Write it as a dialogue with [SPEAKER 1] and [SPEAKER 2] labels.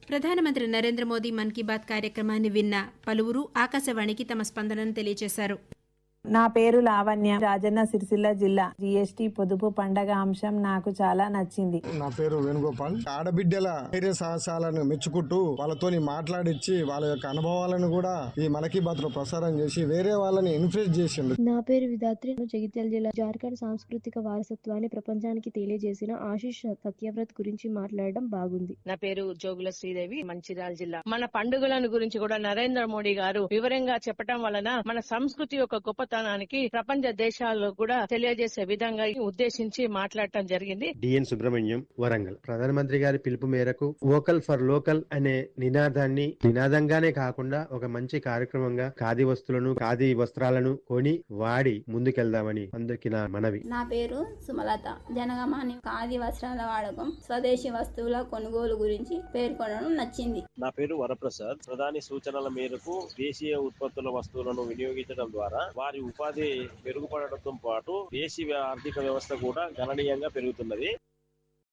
[SPEAKER 1] ప్రధానమంత్రి నరేంద్ర మోదీ మన్ key bath కార్యక్రమాన్ని విన్న పలువురు ఆకాశవాణికి తమ స్పందనను తెలియజేశారు.
[SPEAKER 2] నా పేరు లావణ్య, రాజన్న సిరిసిల్ల జిల్లా. జీఎస్టీ పొదుపు పండగ అంశం నాకు చాలా నచ్చింది.
[SPEAKER 3] నా పేరు వేణుగోపాల్. ఆడబిడ్డల ధైర్య సాహసాలను మెచ్చుకుంటూ వాళ్ళతోని మాట్లాడించి వాళ్ళ యొక్క అనుభవాలను కూడా ఈ మన్ కీ బాత్ లో ప్రసారం చేసి వేరే వాళ్ళని ఇన్ఫ్లుయెన్స్ చేసిండు.
[SPEAKER 4] నా పేరు విధాత్రి, జగిత్యాల జిల్లా. జార్ఖండ్ సాంస్కృతిక వారసత్వాన్ని ప్రపంచానికి తెలియజేసిన ఆశీష్ సత్యవ్రత్ గురించి మాట్లాడడం బాగుంది.
[SPEAKER 5] నా పేరు జోగుల శ్రీదేవి, మంచిర్యాల జిల్లా. మన పండుగలను గురించి కూడా నరేంద్ర మోడీ గారు వివరంగా చెప్పడం వలన మన సంస్కృతి యొక్క గొప్పతనానికి ప్రపంచ దేశాల్లో కూడా తెలియజేసే విధంగా ఉద్దేశించి మాట్లాడటం జరిగింది.
[SPEAKER 6] డిఎన్ సుబ్రహ్మణ్యం, వరంగల్. ప్రధానమంత్రి గారి పిలుపు మేరకు వోకల్ ఫర్ లోకల్ అనే నినాదంగానే కాకుండా ఒక మంచి కార్యక్రమంగా ఖాదీ వస్తువులను, ఖాదీ వస్త్రాలను కొని వాడి ముందుకెళ్దామని అందరికీ నా మనవి.
[SPEAKER 7] నా పేరు సుమలత. జనగణమన ఖాదీ వస్త్రాల వాడకం, స్వదేశీ వస్తువుల కొనుగోలు గురించి పేర్కొనడం నచ్చింది.
[SPEAKER 8] నా పేరు వరప్రసాద్. ప్రధాని సూచనల మేరకు దేశీయ ఉత్పత్తుల వస్తువులను వినియోగించడం ద్వారా వారి ఉపాధి మెరుగుపడటంతో పాటు దేశీయ ఆర్థిక వ్యవస్థ కూడా గణనీయంగా పెరుగుతున్నది.